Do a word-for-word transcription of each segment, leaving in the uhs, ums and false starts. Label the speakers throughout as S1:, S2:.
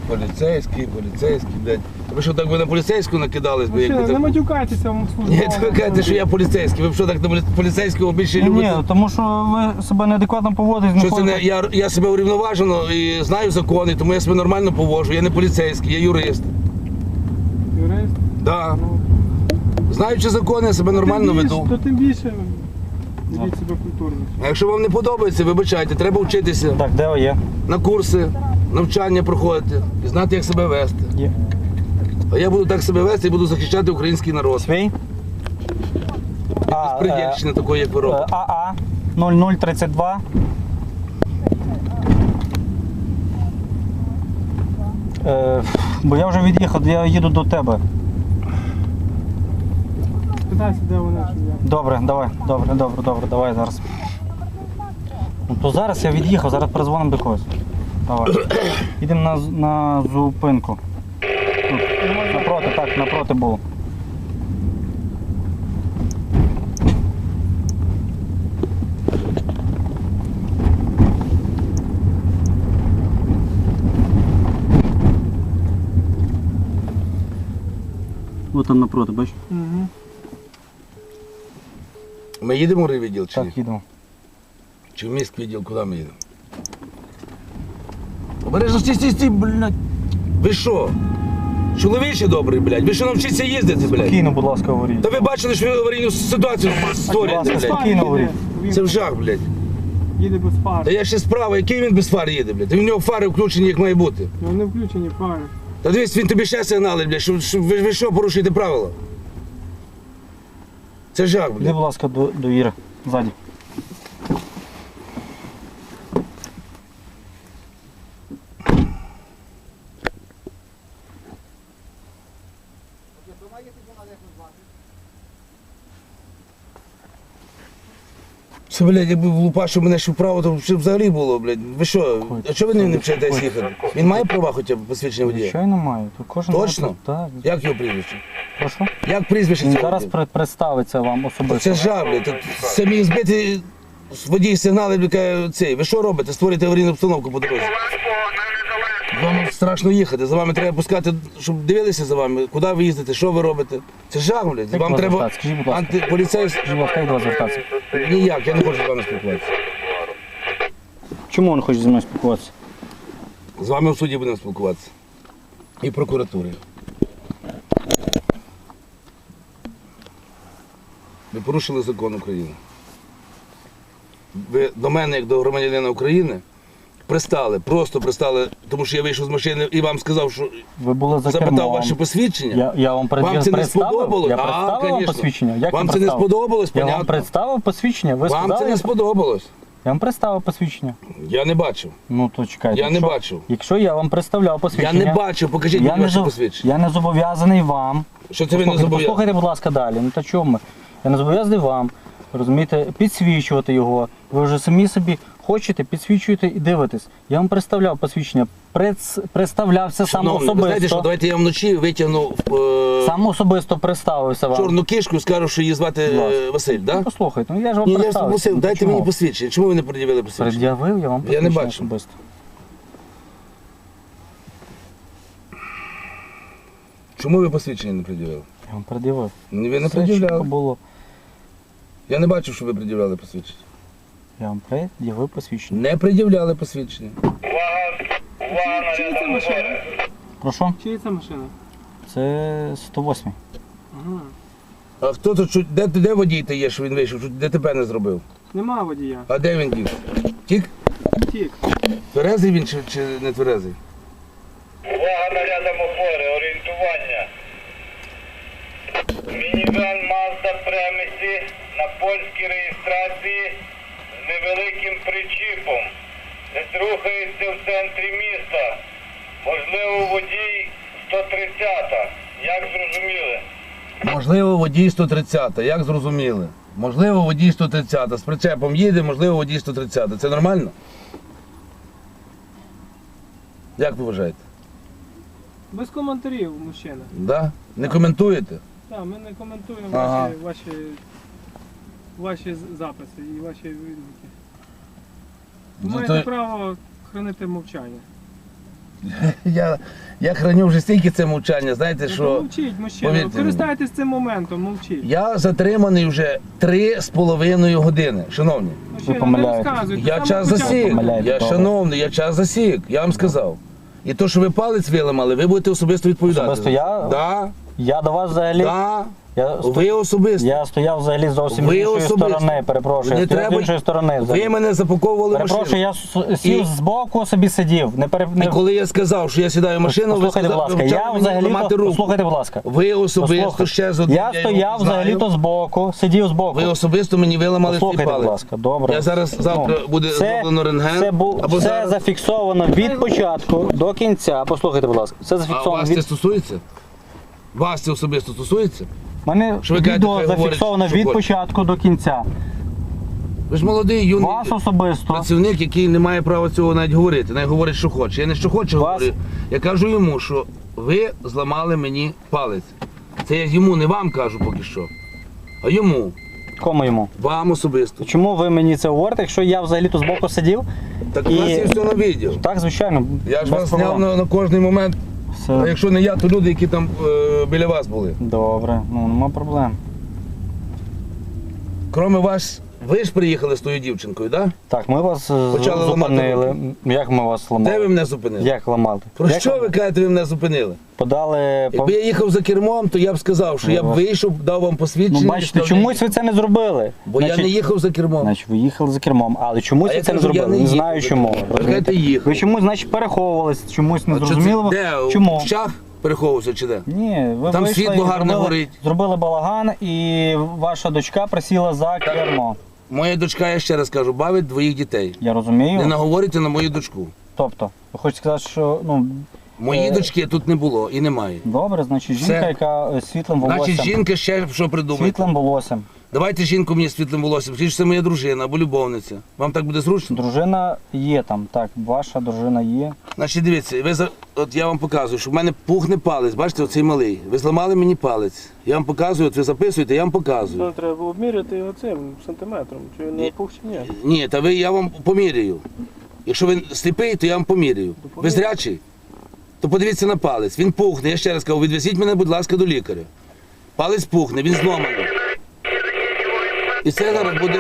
S1: Поліцейський, поліцейський, блядь. Ви що, так ви на поліцейську накидались? бо
S2: Мужчина,
S1: як ви
S2: не
S1: так...
S2: матюкайтеся в службу.
S1: Ні, то ви кажете, що я поліцейський. Ви що, так на поліцейського більше
S3: Ні,
S1: любите?
S3: ні, тому що ви себе неадекватно поводите.
S1: Що це не, я, я себе урівноважено і знаю закони, тому я себе нормально поводжу. Я не поліцейський, я юрист.
S2: Юрист?
S1: Да.
S2: Ну,
S1: Знаючи закони, я себе нормально
S2: тим більше,
S1: веду.
S2: то тим більше ведіть себе культурно.
S1: А якщо вам не подобається, вибачайте, треба вчитися.
S3: Так, де ви є?
S1: На курси, навчання проходити і знати, як себе вести.
S3: Є.
S1: А я буду так себе вести і буду захищати український народ.
S3: Свій? А,
S1: Безпредельщини такої, як ви робите.
S3: АА нуль нуль тридцять два. Е, бо я вже від'їхав, я їду до тебе.
S2: Питайся, де вони, щоб я.
S3: Добре, давай, добре, добре, добре, давай зараз. Ну то зараз я від'їхав, зараз перезвонимо до когось. Давай. Їдемо на, з- на зупинку. Тут. Напроти, так, напроти було. Ось там напроти, бачиш?
S2: Угу.
S1: Ми їдемо в райвідділ чи ні?
S3: Так, їдемо.
S1: Чи в міськвідділ, куди ми їдемо? Обережно, стій, стій, стій, блядь. Ви що? Чоловіче добрий, блядь. Ви що навчіться їздити, блядь?
S3: Спокійно, будь ласка, говоріть.
S1: Та ви бачили, що ви аварійну ситуацію створюєте,
S3: Будь ласка,
S1: блядь.
S3: спокійно говоріть.
S1: Це в жах, блядь.
S2: Їде без фар.
S1: Та я ще справа, який він без фар їде, блядь? Та в нього фари включені, як має бути.
S2: Ну, не включені фари.
S1: Та дивись, він тобі ще сигналить, блядь, що, що ви, ви що порушуєте правила? Це жах,
S3: Іди,
S1: блядь.
S3: будь ласка, до, до Іри, ззаді.
S1: Це, блядь, якби влупашив мене ще вправо, то ще взагалі було, блядь. Ви що? А чого ви не, не вчитесь їхати? Він має права хоча б посвідчення водія?
S3: Звичайно маю. Тут кожен
S1: Точно?
S3: має- Так.
S1: Як його прізвище?
S3: Прошу?
S1: Як прізвище
S3: Він
S1: цього
S3: зараз
S1: водія?
S3: при- представиться вам особисто.
S1: Це жах, блядь. Тут самі збиті водій сигнали, блядь, каже, цей. Ви що робите? Створюєте аварійну обстановку по дорозі. Вам страшно їхати, за вами треба пускати, щоб дивилися за вами, куди ви їздите, що ви робите. Це жах, блядь.
S3: Як
S1: Вам
S3: вас
S1: треба
S3: звертатися? Скажіть, будь ласка.
S1: антиполіцейський.
S3: Скажіть, будь ласка, як до вас звертатися?
S1: Ніяк, я не хочу з вами спілкуватися.
S3: Чому він хоче зі мною спілкуватися?
S1: З вами в суді будемо спілкуватися. І в прокуратурі. Ви порушили закон України. Ви до мене, як до громадянина України, пристали, просто пристали, тому що я вийшов з машини і вам сказав, що
S3: Ви були за
S1: запитав
S3: кермом.
S1: ваше посвідчення.
S3: Я, я вам, пред...
S1: Вам це не
S3: представив?
S1: сподобалось?
S3: Я
S1: А,
S3: представив вам
S1: конечно.
S3: посвідчення. Як
S1: Вам
S3: я
S1: це не
S3: представив?
S1: сподобалось,
S3: Я вам
S1: понятно.
S3: представив посвідчення, ви
S1: Вам
S3: сказали?
S1: це не сподобалось.
S3: Я вам представив посвідчення.
S1: Я не бачив.
S3: Ну то чекайте.
S1: Я не
S3: якщо...
S1: бачив.
S3: Якщо я вам представляв
S1: Я
S3: посвідчення...
S1: не бачив, покажіть
S3: я
S1: мені
S3: не,
S1: ваше
S3: зоб-
S1: посвідчення.
S3: я не зобов'язаний вам.
S1: Що це ви не
S3: Послухайте,
S1: зобов'язані?
S3: послухайте, будь ласка, далі. Ну та чому ми? Я не зобов'язаний вам, розумієте, підсвічувати його. Ви вже самі собі хочете, підсвічуєте і дивитесь. Я вам представляв посвідчення, Прец... представлявся сам
S1: Шановний, ви знаєте, що
S3: особисто.
S1: давайте я вам вночі витягну е,
S3: Сам особисто представився вам.
S1: чорну кишку і скажу, що її звати
S3: Будь ласка.
S1: е, Василь,
S3: Ну,
S1: так? Да?
S3: послухайте, ну я ж вам
S1: Ні, я ж
S3: представився.
S1: попросив,
S3: Ну,
S1: дайте
S3: чому?
S1: мені посвідчення. Чому ви не пред'явили посвідчення?
S3: Пред'явив я вам
S1: Я не
S3: посвідчення
S1: бачу.
S3: особисто.
S1: Чому ви посвідчення не пред'явили?
S3: Я вам пред'явив.
S1: Ні, ви не
S3: Все чітко
S1: пред'являли.
S3: було.
S1: Я не бачив, що ви пред'являли посвідчення.
S3: Я вам пред'явив посвідчення.
S1: Не пред'являли посвідчення.
S2: Чиї це машина?
S3: Прошу?
S2: Чиї це машина?
S3: Це сто восьмий.
S2: Ага.
S1: А хто тут, чу- де, де водій та є, що він вийшов, що ДТП не зробив?
S2: Нема водія.
S1: А де він дів? Тік?
S2: Тік.
S1: Тверезий він чи, чи не тверезий?
S4: Увага нарядом опори, орієнтування. Мінівен Mazda Премісі на польській реєстрації з невеликим причіпом. Десь рухається в центрі міста. Можливо, водій сто тридцята. Як зрозуміли?
S1: Можливо, водій сто тридцята, як зрозуміли? Можливо, водій сто тридцята. З причепом їде, можливо, водій сто тридцята. Це нормально? Як ви вважаєте?
S2: Без коментарів, мужчина.
S1: Да? Не коментуєте?
S2: Так, ми не коментуємо
S1: Ага.
S2: ваші, ваші, ваші з- записи і ваші відгуки. Ви
S1: Зато-
S2: маєте право хранити мовчання.
S1: Я, я храню вже стільки це мовчання, знаєте,
S2: Ну,
S1: що
S2: мовчіть, мужчина,
S1: повірте мені.
S2: користайтесь цим моментом, мовчіть.
S1: я затриманий вже три з половиною години, шановні.
S2: Мужчина, не
S3: помиляєтесь.
S2: розказуйте.
S1: Я
S2: Саме
S1: час
S2: початку.
S1: засік,
S3: помиляєте,
S1: я
S3: добре.
S1: шановний, я час засік, я вам сказав. І то, що ви палець виламали, ви будете особисто відповідати.
S3: Особисто я?
S1: Да,
S3: Я до вас взагалі.
S1: да.
S3: Я, сто-
S1: Ви особисто.
S3: я стояв взагалі зовсім
S1: Ви
S3: з іншої
S1: особисто.
S3: сторони, перепрошую.
S1: Не
S3: Я стояв
S1: треба-
S3: з іншої сторони. взагалі.
S1: Ви мене запаковували в
S3: Перепрошую,
S1: машину.
S3: я с- сів
S1: І-
S3: збоку собі сидів. Не пере...
S1: І
S3: не...
S1: коли я сказав, що я сідаю в машину, ви
S3: Послухайте, будь
S1: сказали,
S3: ласка,
S1: ви
S3: я
S1: почали мені
S3: взагалі
S1: ламати руку.
S3: послухайте, будь ласка.
S1: Ви особисто
S3: Послухайте.
S1: ще з одним.
S3: Я
S1: його
S3: стояв
S1: знаю.
S3: взагалі-то збоку, сидів збоку.
S1: Ви особисто мені виламали свій
S3: Послухайте,
S1: палець.
S3: будь ласка, добре.
S1: Я зараз завтра
S3: Ну,
S1: буде
S3: це-
S1: зроблено рентген.
S3: Це, бу...
S1: або
S3: це
S1: зараз.
S3: зафіксовано від початку до кінця. Послухайте, будь ласка. Це
S1: А
S3: зафіксовано
S1: вас це
S3: від...
S1: стосується? Вас це особисто стосується?
S3: У мене
S1: Що ви кажете,
S3: відео
S1: хай говорить,
S3: зафіксовано
S1: що
S3: від
S1: хоче.
S3: початку до кінця.
S1: Ви ж молодий, юний
S3: Вас особисто.
S1: працівник, який не має права цього навіть говорити. Навіть говорить, що хоче. Я не що хочу
S3: Вас-
S1: говорю. Я кажу йому, що ви зламали мені палець. Це я йому, не вам кажу поки що. А йому,
S3: Кому йому?
S1: вам особисто.
S3: Чому ви мені це говорите, якщо я взагалі-то збоку сидів?
S1: Так у
S3: І-
S1: нас є все на відео.
S3: Так, звичайно.
S1: Я ж
S3: без
S1: вас
S3: проблем.
S1: зняв на, на кожний момент. А
S3: Все
S1: якщо не я, то люди, які там е, біля вас були.
S3: добре, ну нема проблем.
S1: Кроме вас, ви ж приїхали з тою дівчинкою, так? Да?
S3: Так, ми вас е,
S1: Почали ламати
S3: зупинили. Як ми вас ламали?
S1: Де ви мене зупинили?
S3: Як ламали?
S1: Про
S3: Як
S1: що
S3: вам
S1: ви кажете, ви мене зупинили?
S3: подали?
S1: Якби я їхав за кермом, то я б сказав, що я б
S3: Ну,
S1: вийшов, дав вам посвідчення.
S3: Ну бачите,
S1: що
S3: чомусь ви це не зробили.
S1: Бо я не їхав за кермом.
S3: Значить, ви їхали за кермом, але чомусь
S1: А
S3: ви
S1: я
S3: це не
S1: кажу, я
S3: зробили.
S1: не
S3: Не
S1: їхав
S3: знаю
S1: за
S3: чому.
S1: кермом. Ви
S3: розумієте?
S1: кажете, їхав.
S3: Ви чомусь, значить, переховувались, чомусь не
S1: А що це-
S3: зрозуміло.
S1: Де?
S3: Чому?
S1: В щах переховувався чи де?
S3: Ні, ви
S1: Там
S3: вийшли
S1: світло
S3: і
S1: гарне
S3: зробили,
S1: горить.
S3: зробили балаган, і ваша дочка присіла за кермо.
S1: Моя дочка, я ще раз кажу, бавить двоїх дітей.
S3: Я розумію.
S1: Не наговорюйте на мою дочку.
S3: Тобто, ви хочете сказати, що ну
S1: Моєї
S3: Е,
S1: дочки тут не було і немає.
S3: добре, значить,
S1: Все.
S3: жінка, яка е, світлим волоссям.
S1: Значить, жінка ще що придумає.
S3: Світлим волоссям.
S1: Давайте жінку мені з світлим волоссям. Скажіть, що це моя дружина або любовниця. Вам так буде зручно?
S3: Дружина є там, так, ваша дружина є.
S1: Значить, дивіться, ви за... от я вам показую, що в мене пухне палець, бачите, оцей малий. Ви зламали мені палець. Я вам показую, от ви записуєте, я вам показую.
S2: Ну, треба було обміряти його цим сантиметром. Чи він не пух чи ні?
S1: Ні, та ви я вам поміряю. Якщо ви сліпий, то я вам поміряю. Ви зрячий? То подивіться на палець. Він пухне. Я ще раз кажу, відвезіть мене, будь ласка, до лікаря. Палець пухне, він зломаний. І це зараз буде.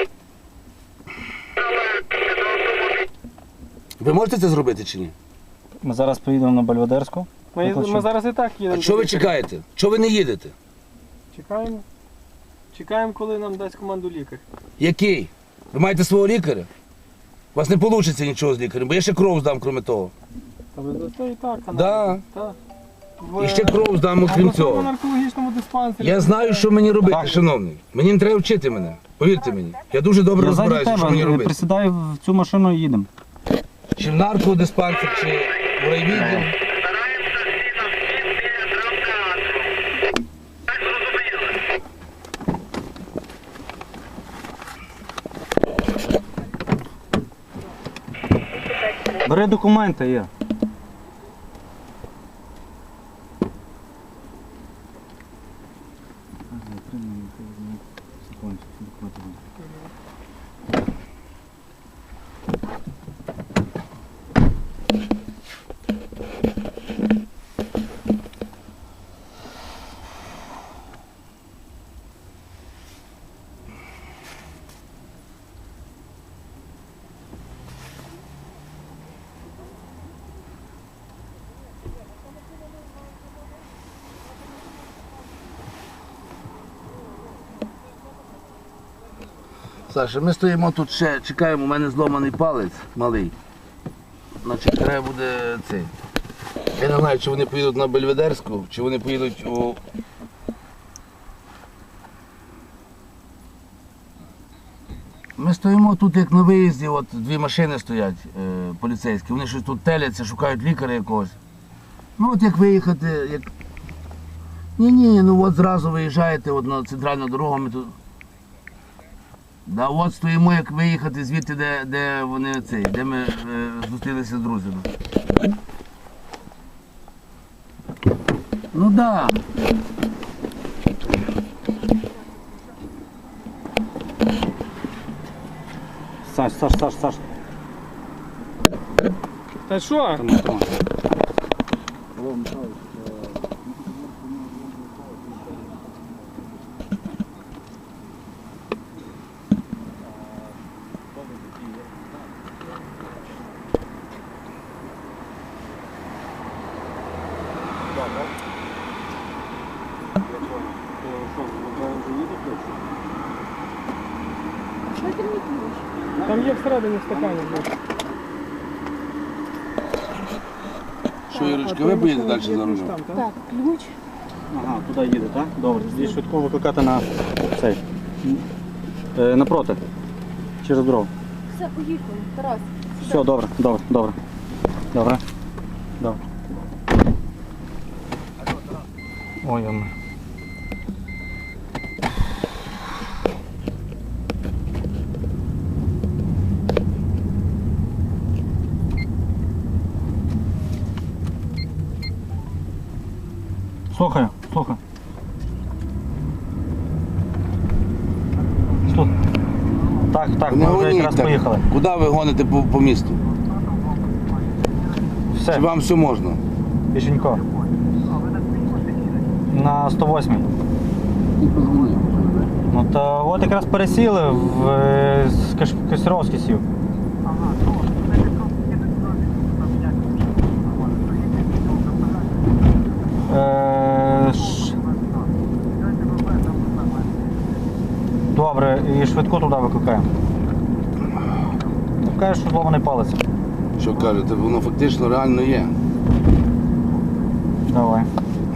S1: Ви можете це зробити чи ні?
S3: Ми зараз поїдемо на Бельведерську.
S2: Ми,
S3: Викличемо.
S2: ми зараз і так їдемо.
S1: А що ви
S2: до лікаря.
S1: чекаєте? Чого ви не їдете?
S2: Чекаємо. Чекаємо, коли нам дасть команду лікар.
S1: Який? Ви маєте свого лікаря? У вас не вийде нічого з лікарем, бо я ще кров здам, крім того.
S2: А ви дасте і так, аналіз.
S1: Да.
S2: Так.
S1: І ще кров здам, окрім
S2: В
S1: цього.
S2: наркологічному диспансері.
S1: Я знаю, що мені робити,
S3: Так.
S1: шановний. Мені не треба вчити мене. Повірте мені. Я дуже добре
S3: Я ззаді
S1: розбираюся, що мені
S3: тебе,
S1: робити.
S3: присідай в цю машину і їдемо.
S1: Чи в наркодиспансер, чи в райвідділ.
S4: Стараємося всі на всі біля драмтеатру. Так зрозуміли?
S3: Бери документи, є.
S1: Саша, ми стоїмо тут ще, чекаємо, у мене зломаний палець малий. Значить, треба буде цей. Я не знаю, чи вони поїдуть на Бельведерську, чи вони поїдуть у. Ми стоїмо тут як на виїзді, от дві машини стоять е, поліцейські, вони щось тут теляться, шукають лікаря якогось. Ну от як виїхати, як. Ні-ні, ну от зразу виїжджаєте от на центральну дорогу, ми тут. Да, от стоїмо, як виїхати звідти, де, де вони цей, де ми е, зустрілися з друзями. Ну так. Да.
S3: Саш, Саш, Саш, Саш.
S2: Та що?
S3: Тримай, тримай.
S2: Там є всередині стакані. блядь.
S1: Що,
S2: А
S1: Ірочка,
S2: твоя
S1: ви поїдете
S2: машина
S1: далі
S2: є
S1: за
S2: ключ
S1: рулем?
S2: там, так?
S5: Так, ключ.
S3: Ага, туди їде, так? Добре, тоді швидко викликати на цей. Е, напроти. Через дорогу.
S5: Все, поїхали. Тарас.
S3: Все, добре, добре, добре. Добре. Добре. Ой, ой. Слухаю, слухаю. Слух. Так, так,
S1: Не
S3: ми вже
S1: гоніть
S3: якраз
S1: так.
S3: поїхали.
S1: Куди ви гоните по, по місту?
S3: Все,
S1: Чи вам все можна?
S3: Пішенько. На сто восьмій. Ну то от якраз пересіли в е, з Каш- Костеровський сів. Е, ш- Добре, і швидку туди викликаємо. Кажеш, що зломаний палець.
S1: Що кажете, воно фактично реально є.
S3: Давай.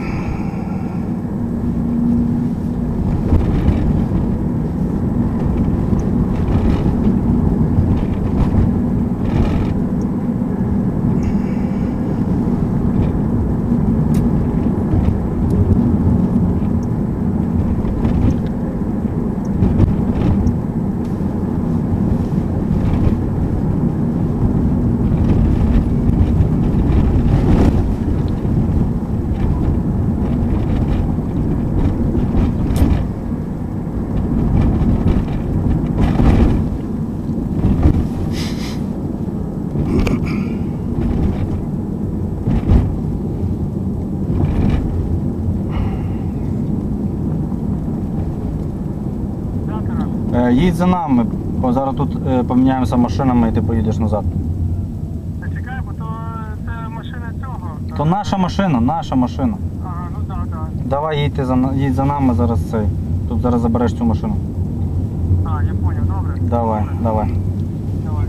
S3: Е, Їдь за нами, бо зараз тут е, поміняємося машинами і ти поїдеш назад.
S2: Та чекай, бо то це машина цього.
S3: То наша машина, наша машина.
S2: Ага, ну так, так.
S3: Давай їдь, ти за, на- їдь за нами зараз цей. Тут зараз забереш цю машину.
S2: А, я поняв, добре.
S3: Давай, давай.
S2: Давай.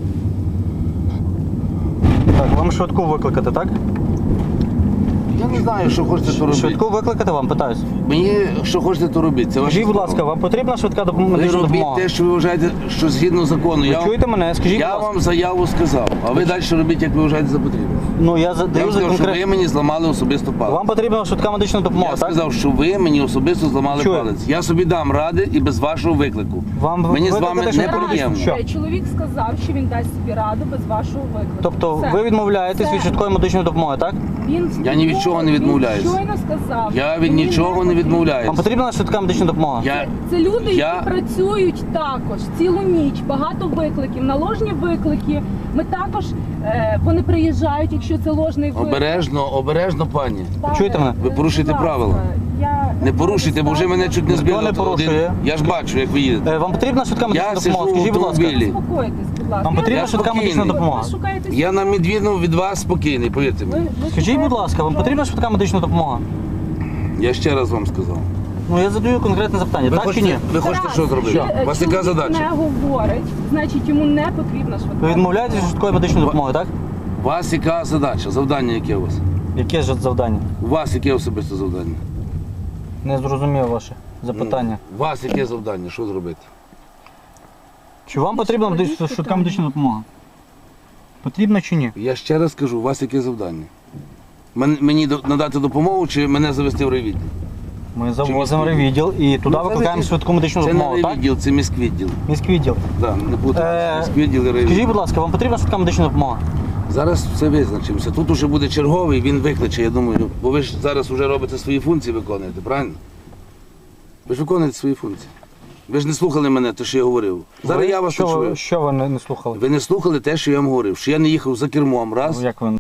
S3: Так, вам швидку викликати, так?
S1: Я не знаю, що хочете то робити.
S3: Швидку викликати вам, питаюсь.
S1: Мені що хочете то робити. Це ваше
S3: Скажіть, будь
S1: право.
S3: ласка, вам потрібна швидка допомога?
S1: Ви
S3: медична
S1: робіть
S3: допомога?
S1: те, що ви вважаєте, що згідно закону.
S3: Ви
S1: Я,
S3: чуєте мене? Скажіть,
S1: я
S3: будь ласка.
S1: вам заяву сказав, а ви далі робіть, як ви вважаєте за потрібне.
S3: Ну, я
S1: Я
S3: задаю
S1: вам
S3: за
S1: сказав, що ви
S3: конкретно.
S1: мені зламали особисто палець.
S3: Вам потрібна швидка медична допомога,
S1: Я
S3: так?
S1: сказав, що ви мені особисто зламали
S3: Чую.
S1: палець. Я собі дам ради і без вашого виклику.
S3: Вам
S1: Мені з
S3: викликати
S1: вами не
S3: швидку?
S1: приємно.
S3: Що?
S5: Е, Чоловік сказав, що він дасть собі раду без вашого виклику.
S3: Тобто
S5: Все.
S3: ви відмовляєтесь
S5: Все.
S3: від швидкої медичної допомоги, так?
S5: Він
S1: Я ні від чого не відмовляюсь.
S5: Він щойно сказав.
S1: Я
S5: що
S1: від
S5: він
S1: нічого не
S5: потрібен.
S1: відмовляюсь.
S3: Вам потрібна швидка медична допомога?
S1: Я...
S5: Це люди,
S1: Я-
S5: які працюють також цілу ніч, багато викликів, наложні виклики. Ми також е, вони приїжджають, якщо це ложний виклик.
S1: Обережно, обережно, пані.
S5: Так,
S3: Чуєте мене?
S1: Ви порушуєте
S5: будь ласка,
S1: правила.
S5: Я
S1: Не порушуйте, бо вже мене чуть не
S3: Ніхто
S1: збили.
S3: не
S1: на один.
S3: порушує.
S1: Я ж бачу, як ви їдете.
S3: Е, Вам потрібна швидка медична
S1: Я
S3: допомога?
S1: сиджу в
S3: Скажіть, будь ласка.
S1: автомобілі.
S5: Заспокойтесь, будь ласка.
S3: Вам потрібна
S1: Я
S3: швидка
S1: спокійний.
S3: медична
S5: Ви
S3: допомога?
S5: шукаєте
S1: Я на відміну від вас спокійний, повірте
S5: Ви-
S1: мені.
S5: ви
S3: Скажіть,
S5: шукаєте
S3: будь ласка, вам потрібна швидка медична допомога?
S1: Я ще раз вам сказав.
S3: Ну я задаю конкретне запитання,
S1: Ви
S3: так чи
S1: хочете,
S3: ні?
S1: ви хочете
S5: Тарас,
S1: що зробити?
S5: чи, е,
S1: У вас яка
S5: чоловік
S1: задача?
S5: не говорить, значить йому не потрібна швидка.
S3: Ви відмовляєтесь від швидкої медичної допомоги, так?
S1: У вас яка задача? Завдання яке у вас?
S3: Яке ж завдання?
S1: У вас яке особисте завдання?
S3: Не зрозумів ваше запитання.
S1: У вас яке завдання? Що зробити?
S3: Чи вам потрібна
S5: Складіть
S3: медич- швидка
S5: питання.
S3: медична допомога? Потрібна чи ні?
S1: Я ще раз кажу, у вас яке завдання? Мен- Мені до- надати допомогу чи мене завести в райвідділ?
S3: Ми завозимо
S1: міськвідділ?
S3: райвідділ і туди
S1: Ну, це
S3: викликаємо
S1: не-
S3: швидку медичну
S1: Це не
S3: допомогу, так?
S1: райвідділ, це міськвідділ.
S3: Міськвідділ.
S1: Да, не
S3: Е,
S1: путайте. Міськвідділ і райвідділ.
S3: Скажіть, будь ласка, вам потрібна швидка медична допомога?
S1: Зараз все визначимося. Тут уже буде черговий, він викличе, я думаю. Бо ви ж зараз вже робите свої функції, виконуєте, правильно? Ви ж виконуєте свої функції. Ви ж не слухали мене, те, що я говорив. Зараз
S3: Ви-
S1: я вас
S3: що, ви-
S1: почую.
S3: що ви не, не слухали?
S1: Ви не слухали те, що я вам говорив, що я не їхав за кермом, раз.
S3: Ну, як ви